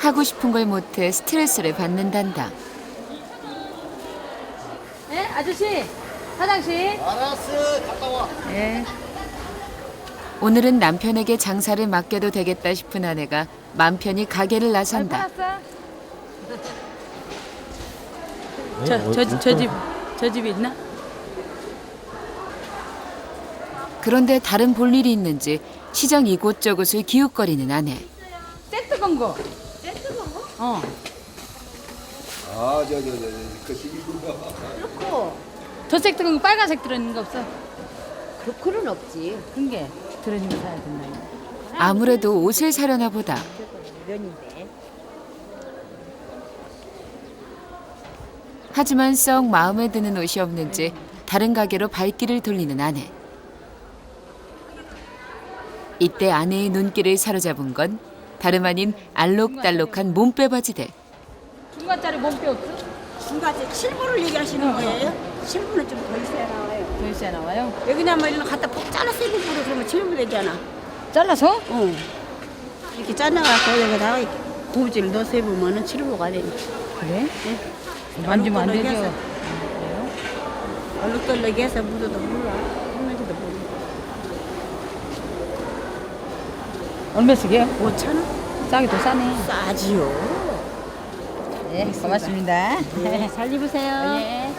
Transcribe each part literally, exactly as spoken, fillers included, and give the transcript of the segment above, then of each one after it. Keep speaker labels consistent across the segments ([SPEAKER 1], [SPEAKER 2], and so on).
[SPEAKER 1] 하고 싶은 걸 못해 스트레스를 받는단다.
[SPEAKER 2] 네, 아저씨, 화장실.
[SPEAKER 3] 알았어, 갔다 와.
[SPEAKER 2] 네.
[SPEAKER 1] 오늘은 남편에게 장사를 맡겨도 되겠다 싶은 아내가 맘 편히 가게를 나선다.
[SPEAKER 2] 저, 저, 저 집, 저 집에 있나?
[SPEAKER 1] 그런데 다른 볼일이 있는지 시장 이곳저곳을 기웃거리는 아내.
[SPEAKER 2] 세트 건 거. 세트 건 거? 어.
[SPEAKER 3] 아, 저, 저, 저, 저, 그 시기구나.
[SPEAKER 2] 그렇고. 저 세트 건거 빨간색 들어있는 거 없어?
[SPEAKER 4] 그, 그런 없지.
[SPEAKER 2] 그런 게 들어있는 거 사야 된다.
[SPEAKER 1] 아무래도 옷을 사려나 보다.
[SPEAKER 4] 면인데.
[SPEAKER 1] 하지만 썩 마음에 드는 옷이 없는지 다른 가게로 발길을 돌리는 아내. 이때 아내의 눈길을 사로잡은 건 다름 아닌 알록달록한 몸빼 바지들.
[SPEAKER 2] 중간짜리 몸빼 없어?
[SPEAKER 5] 중간에 칠부를 얘기하시는 거예요? 칠부는 좀 더 있어야 나와요.
[SPEAKER 2] 더 있어야 나와요?
[SPEAKER 5] 여기나 뭐 이런 거 갖다 푹 잘라서 입고 그러면 칠부 되잖아.
[SPEAKER 2] 잘라서?
[SPEAKER 5] 응. 이렇게 잘라갖고 여기다가 고무줄 넣어서 입으면은 칠부가 되니.
[SPEAKER 2] 그래? 만지면 안 되죠?
[SPEAKER 5] 얼룩덜룩 해서 묻어도 몰라. 했는지도 모르고.
[SPEAKER 2] 얼마 쓰게요?
[SPEAKER 5] 오천 원?
[SPEAKER 2] 싸게 더 싸네.
[SPEAKER 5] 싸지요.
[SPEAKER 2] 네, 고맙습니다.
[SPEAKER 5] 네, 잘 입으세요.
[SPEAKER 2] 예.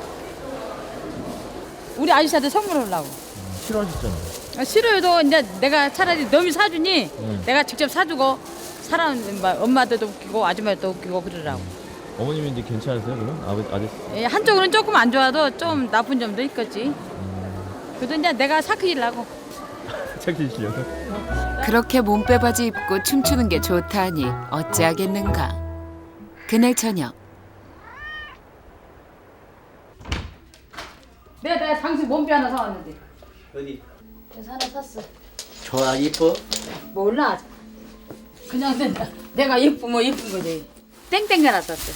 [SPEAKER 2] 우리 아저씨한테 선물하려고.
[SPEAKER 3] 싫어하셨잖아.
[SPEAKER 2] 아, 싫어도 이제 내가 차라리 너미 사주니 내가 직접 사주고 사람 막 엄마들도 웃기고 아줌마들도 웃기고 그러라고.
[SPEAKER 6] 어머님인데 괜찮으세요 그럼? 아버지 아저씨
[SPEAKER 2] 예, 한쪽으로는 조금 안 좋아도 좀 나쁜 점도 있겠지. 그래도 이제 내가 사크이려고.
[SPEAKER 6] 착지시려고?
[SPEAKER 1] 그렇게 몸빼 바지 입고 춤추는 게 좋다 하니 어찌하겠는가. 그날 저녁
[SPEAKER 2] 내가 내가 당신 몸빼 하나 사왔는데.
[SPEAKER 3] 어디?
[SPEAKER 2] 그래서 하나 샀어.
[SPEAKER 3] 좋아, 이뻐?
[SPEAKER 2] 몰라. 그냥 내가, 내가 예쁘면 예쁜 거지. 땡땡 하나 샀어.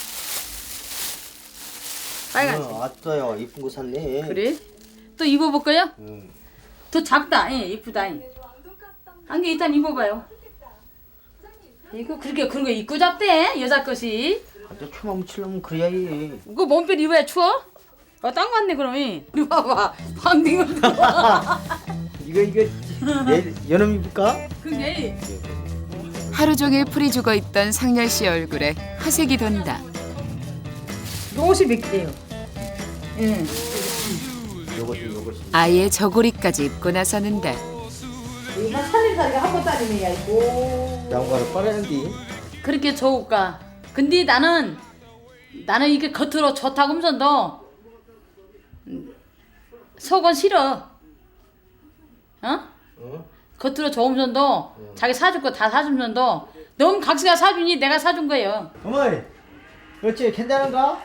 [SPEAKER 2] 빨간색.
[SPEAKER 3] 어, 아따야, 이쁜 거 샀네.
[SPEAKER 2] 그래? 또 입어볼까요?
[SPEAKER 3] 응.
[SPEAKER 2] 더 작다. 예, 이쁘다. 한 개 일단 입어봐요. 이거 그렇게 그런 거 입고 잡대 여자 것이.
[SPEAKER 3] 아따, 춤 묻히려면 그래야 해.
[SPEAKER 2] 이거 몸빼 입어야 추워? 어, 딱 맞네 그럼. 우리 봐봐. 방딩을 들어와.
[SPEAKER 3] 이거, 이거, 내일 여름 입을까?
[SPEAKER 2] 그게
[SPEAKER 1] 하루 종일 풀이 죽어 있던 상렬 씨 얼굴에 화색이 돈다.
[SPEAKER 2] 옷이 몇 개예요? 예.
[SPEAKER 3] 요것이, 요것이.
[SPEAKER 1] 아예 저고리까지 입고 나서는데
[SPEAKER 2] 이거 살림살이가 한 번짜리네야 이거.
[SPEAKER 3] 양말을 빨아야지.
[SPEAKER 2] 그렇게 좋을까? 근데 나는 나는 이게 겉으로 좋다고 하면서도 음, 속은 싫어. 어?
[SPEAKER 3] 어?
[SPEAKER 2] 겉으로 좋으면서도 자기 사줄 거 다 사주면서도 너무 각시가 사주니 내가 사준 거예요.
[SPEAKER 3] 어머니, 그렇지, 괜찮은가?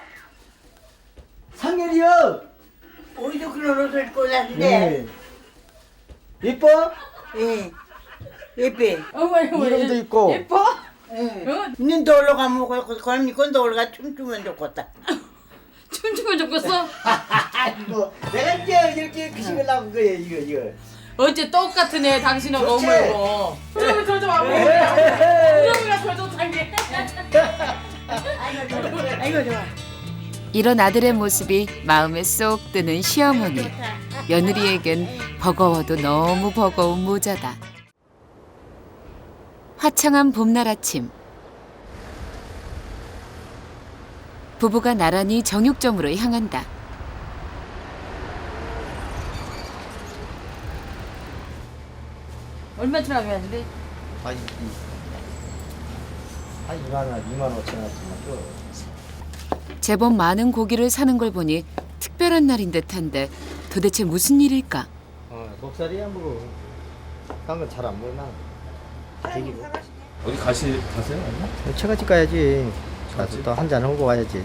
[SPEAKER 3] 상렬이요!
[SPEAKER 5] 우리도 그런 옷을 입고
[SPEAKER 3] 네.
[SPEAKER 5] 샀는데.
[SPEAKER 3] 이뻐?
[SPEAKER 5] 예. 예뻐.
[SPEAKER 2] 어머
[SPEAKER 3] 이름도 있고.
[SPEAKER 2] 예뻐?
[SPEAKER 5] 예.
[SPEAKER 2] 어?
[SPEAKER 5] 눈도 올라가면 걸미 건도 올라가 춤추면 좋겠다.
[SPEAKER 2] 춤추면 좋겠어?
[SPEAKER 3] 이거 내가 이제 이렇게 그 식을 나온 거예요, 이거, 이거.
[SPEAKER 2] 어째 똑같은 애 당신하고
[SPEAKER 3] 좋지?
[SPEAKER 2] 어머고. 그러면 저좀 와보자 그러면 저좀 당게.
[SPEAKER 5] 아이고 좋아.
[SPEAKER 1] 이런 아들의 모습이 마음에 쏙 드는 시어머니. 며느리에겐 버거워도 너무 버거운 모자다. 화창한 봄날 아침. 부부가 나란히 정육점으로 향한다.
[SPEAKER 2] 얼마쯤 하겠는데?
[SPEAKER 3] 아, 이, 이, 한 이만 원, 이만 오천 원쯤 줘.
[SPEAKER 1] 제법 많은 고기를 사는 걸 보니 특별한 날인 듯한데 도대체 무슨 일일까?
[SPEAKER 3] 어, 목살이야 뭐. 딴 건 잘 안 보여 나. 되기고.
[SPEAKER 6] 어디 가시 가세요? 아니면?
[SPEAKER 3] 처갓집 가야지. 가서 또 한잔 하고 와야지.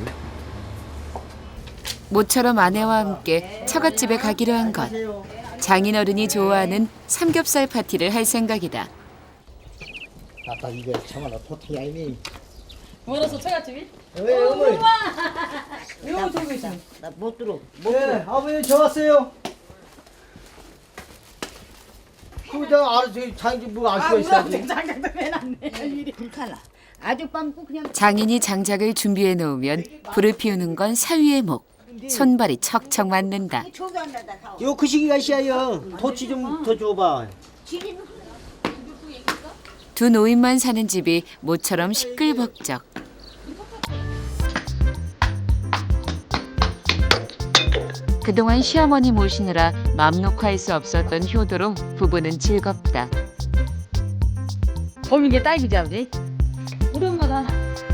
[SPEAKER 1] 모처럼 아내와 함께 처갓집에 가기로 한 것. 장인어른이 좋아하는 삼겹살 파티를 할 생각이다.
[SPEAKER 3] 아빠 이거 정말 보통이 아니니.
[SPEAKER 2] 멀어서 처갓집이?
[SPEAKER 3] 왜 어머니?
[SPEAKER 2] 이거 들고 있어.
[SPEAKER 5] 나 못 들어.
[SPEAKER 3] 네, 아버님 저 왔어요. 그거 내가 알아서 장기 뭐알 수가 있어야지.
[SPEAKER 2] 장작도 해놨네.
[SPEAKER 4] 불칼라. 아주 빵꾸 그냥
[SPEAKER 1] 장인이 장작을 준비해 놓으면 불을 피우는 건 사위의 목. 손발이 척척 맞는다.
[SPEAKER 4] 초도 안 나다.
[SPEAKER 3] 요 그 시기가 시야요. 토치 좀 더 줘봐.
[SPEAKER 1] 두 노인만 사는 집이 모처럼 시끌벅적. 그동안 시어머니 모시느라 맘 놓고 할 수 없었던 효도로 부부는 즐겁다.
[SPEAKER 2] 봄인 게 딸기지 아버지? 우리 엄마다.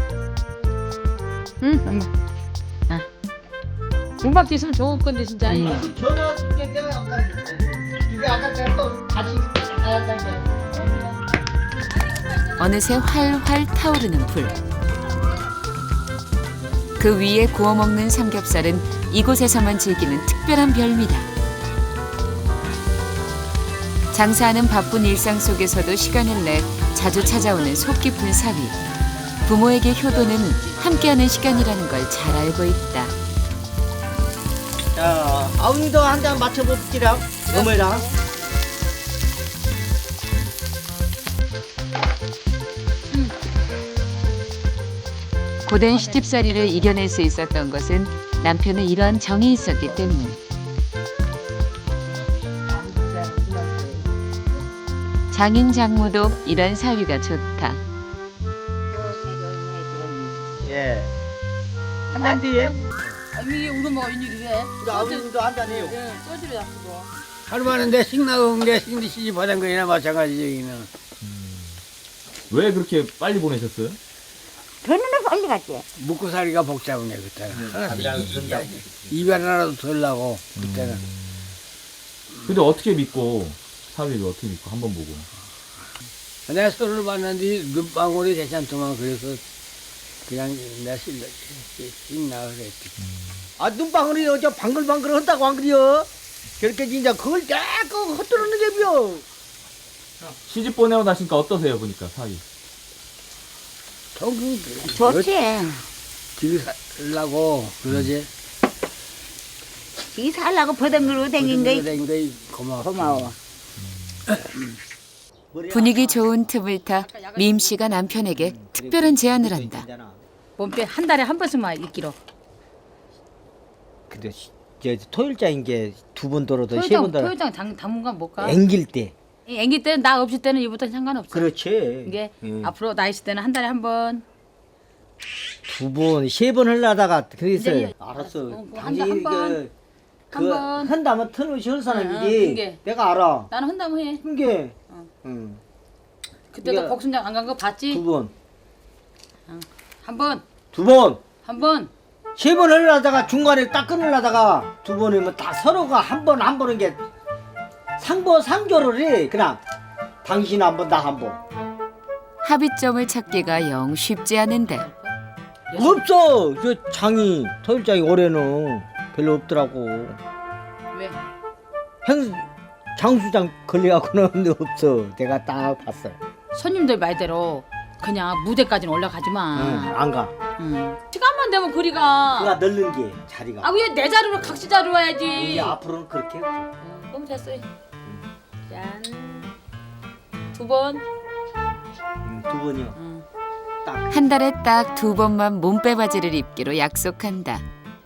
[SPEAKER 2] 응 엄마. 아. 문박지 있으면 좋을 건데 진짜.
[SPEAKER 3] 전화 줄게 내가 아까 이게 아까 내가 또 다시 알았다니까.
[SPEAKER 1] 어느새 활활 타오르는 불. 그 위에 구워 먹는 삼겹살은 이곳에서만 즐기는 특별한 별미다. 장사하는 바쁜 일상 속에서도 시간을 내 자주 찾아오는 속 깊은 사위. 부모에게 효도는 함께하는 시간이라는 걸 잘 알고 있다.
[SPEAKER 3] 자, 아우니도 한 잔 맞춰볼게요. 어머니랑.
[SPEAKER 1] 고된 시집살이를 이겨낼 수 있었던 것은 남편의 이러한 정이 있었기 때문. 장인 장모도 이런 사위가 좋다.
[SPEAKER 3] 예. 한 잔 뒤에.
[SPEAKER 2] 아, 이게 우리 엄마가 웬일이 왜?
[SPEAKER 3] 우리 아우니도 한 잔해요.
[SPEAKER 2] 예, 소주를 잡수고.
[SPEAKER 7] 하루만은 내 식나고 내 식리 시집 받은 거나 마찬가지죠 여기는.
[SPEAKER 6] 왜 그렇게 빨리 보내셨어요?
[SPEAKER 4] 변호는 빨리 갔지.
[SPEAKER 7] 먹고 살기가 복잡하네 그때는. 하나씩 이별 하나도 덜 나고 그때는.
[SPEAKER 6] 근데 어떻게 믿고 사위를 어떻게 믿고 한 번 보고?
[SPEAKER 7] 내가 서로를 봤는데 눈방울이 괜찮더만 그래서 그냥 내가 실려 식나 그랬지.
[SPEAKER 3] 아 눈방울이 어저 방글방글 한다고 안 그래요? 그렇게 진짜 그걸 깨끗 헛들어는 게요.
[SPEAKER 6] 시집 보내고 나시니까 어떠세요 보니까 사위?
[SPEAKER 7] 통금
[SPEAKER 4] 좋지.
[SPEAKER 7] 길 살라고 그러지.
[SPEAKER 4] 이 살라고 버덩거리고 댕긴 거
[SPEAKER 7] 댕긴 거 고마워.
[SPEAKER 4] 고마워.
[SPEAKER 1] 분위기 좋은 틈을 타 민 씨가 남편에게 특별한 제안을 한다.
[SPEAKER 2] 몸빼 한 달에 한 번씩만 있기로.
[SPEAKER 3] 근데 시- 저 토요일장인 게 두 번 돌아도 세
[SPEAKER 2] 토요장
[SPEAKER 3] 번 돌아.
[SPEAKER 2] 토요장 당 당분간 못 가.
[SPEAKER 3] 앵길 때.
[SPEAKER 2] 이 애기 때는 나 없을 때는 이부터 상관없어.
[SPEAKER 3] 그렇지.
[SPEAKER 2] 이게
[SPEAKER 3] 응.
[SPEAKER 2] 앞으로 나 있을 때는 한 달에 한 번.
[SPEAKER 3] 두 번, 세 번 하려다가 그랬어요.
[SPEAKER 2] 이제
[SPEAKER 3] 알았어.
[SPEAKER 2] 어, 한
[SPEAKER 3] 당신이
[SPEAKER 2] 번,
[SPEAKER 3] 그,
[SPEAKER 2] 한
[SPEAKER 3] 그
[SPEAKER 2] 번.
[SPEAKER 3] 한다면 터놓으시 할
[SPEAKER 2] 응, 응,
[SPEAKER 3] 사람이지.
[SPEAKER 2] 그게.
[SPEAKER 3] 내가 알아.
[SPEAKER 2] 나는 한다면 해.
[SPEAKER 3] 그게.
[SPEAKER 2] 어.
[SPEAKER 3] 응.
[SPEAKER 2] 그때도
[SPEAKER 3] 이게
[SPEAKER 2] 복순장 안 간 거 봤지?
[SPEAKER 3] 두 번.
[SPEAKER 2] 한 번,
[SPEAKER 3] 두 번.
[SPEAKER 2] 한 번.
[SPEAKER 3] 세 번 하려다가 중간에 딱 끊으려다가 두 번이면 다 서로가 한 번 한 번은 게 상보 상조를 해. 그냥 당신 한 번, 나 한 번.
[SPEAKER 1] 합의점을 찾기가 영 쉽지 않은데
[SPEAKER 3] 없어. 저 장이 토요일장이 올해는 별로 없더라고.
[SPEAKER 2] 왜?
[SPEAKER 3] 행 장수장 걸려갖고는 없어. 내가 딱 봤어.
[SPEAKER 2] 손님들 말대로 그냥 무대까지는 올라가지 마.
[SPEAKER 3] 응, 안 가.
[SPEAKER 2] 응. 시간만 되면 그리가.
[SPEAKER 3] 그가 널는 게 자리가.
[SPEAKER 2] 아, 왜 내 자리로 각시 자리로 와야지.
[SPEAKER 3] 이제 앞으로는 그렇게 해.
[SPEAKER 2] 응, 너무 됐어. 짠. 두 번.
[SPEAKER 3] 응, 두 번이요.
[SPEAKER 2] 응.
[SPEAKER 3] 딱.
[SPEAKER 1] 한 달에 딱 두 번만 몸빼바지를 입기로 약속한다.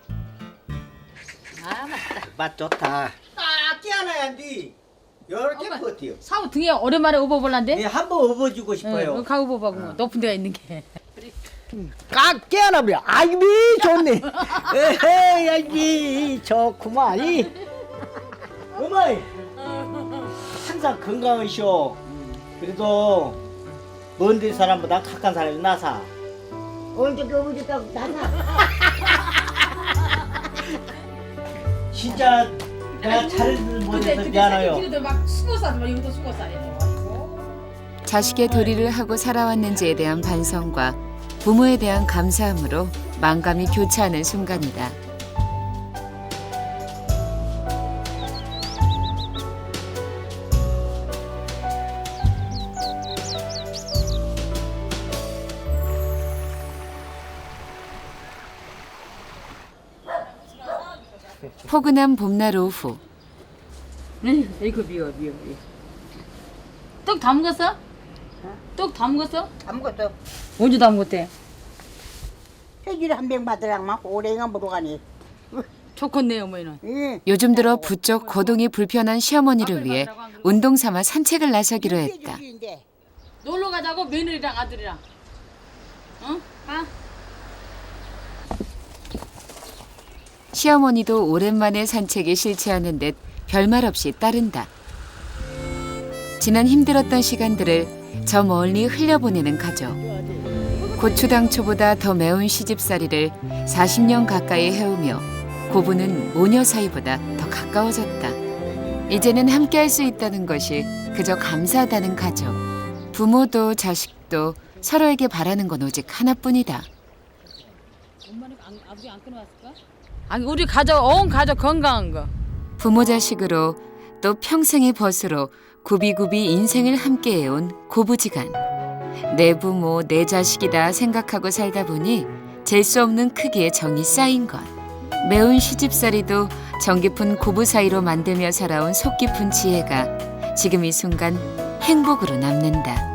[SPEAKER 2] 아, 맞다.
[SPEAKER 3] 맛 좋다. 딱 깨어나야 돼. 여러 개
[SPEAKER 2] 엄마.
[SPEAKER 3] 버텨요.
[SPEAKER 2] 사우 등에 오랜만에 업어볼란데?
[SPEAKER 3] 예, 한번 업어주고
[SPEAKER 2] 응,
[SPEAKER 3] 싶어요.
[SPEAKER 2] 가 업어봐, 그거. 높은 데가 있는 게.
[SPEAKER 3] 깍 깨어나 버려. 아이비 좋네. 에헤이 아이비 좋구만. 이. 어머니 항상 건강하시오. 그래도 먼데 사람보다 가까운 사람이 나사.
[SPEAKER 4] 언제 그거부터 나나.
[SPEAKER 3] 진짜 내가 잘을 못해서 미안해요.
[SPEAKER 2] 이것도 막 수고살, 막 이것도 수고살이네.
[SPEAKER 1] 자식의 도리를 하고 살아왔는지에 대한 반성과 부모에 대한 감사함으로 만감이 교차하는 순간이다. 포근한 봄날 오후
[SPEAKER 2] 네, 이거 미워, 미워, 미워. 떡 다 먹었어? 떡 다 먹었어?
[SPEAKER 5] 아무것도
[SPEAKER 2] 언제 다 먹었대?
[SPEAKER 5] 폐기를 한 병 받으랑만 오래가 보러 가니.
[SPEAKER 2] 좋겠네 어머니는.
[SPEAKER 5] 예.
[SPEAKER 1] 요즘 들어 부쩍 거동이 불편한 시어머니를 위해 운동 삼아 산책을 나서기로 했다.
[SPEAKER 2] 놀러 가자고 며느리랑 아들이랑. 응? 가.
[SPEAKER 1] 시어머니도 오랜만에 산책에 싫지 않은 듯 별말 없이 따른다. 지난 힘들었던 시간들을 저 멀리 흘려보내는 가족. 고추당초보다 더 매운 시집살이를 사십 년 가까이 해오며 고부는 모녀 사이보다 더 가까워졌다. 이제는 함께할 수 있다는 것이 그저 감사하다는 가족. 부모도 자식도 서로에게 바라는 건 오직 하나뿐이다.
[SPEAKER 2] 엄마는 안, 아버지 안 끊어왔을까? 아니 우리 가족 온 가족 건강한 거.
[SPEAKER 1] 부모 자식으로 또 평생의 벗으로 굽이굽이 인생을 함께해온 고부지간. 내 부모 내 자식이다 생각하고 살다 보니 잴 수 없는 크기의 정이 쌓인 것. 매운 시집살이도 정 깊은 고부 사이로 만들며 살아온 속 깊은 지혜가 지금 이 순간 행복으로 남는다.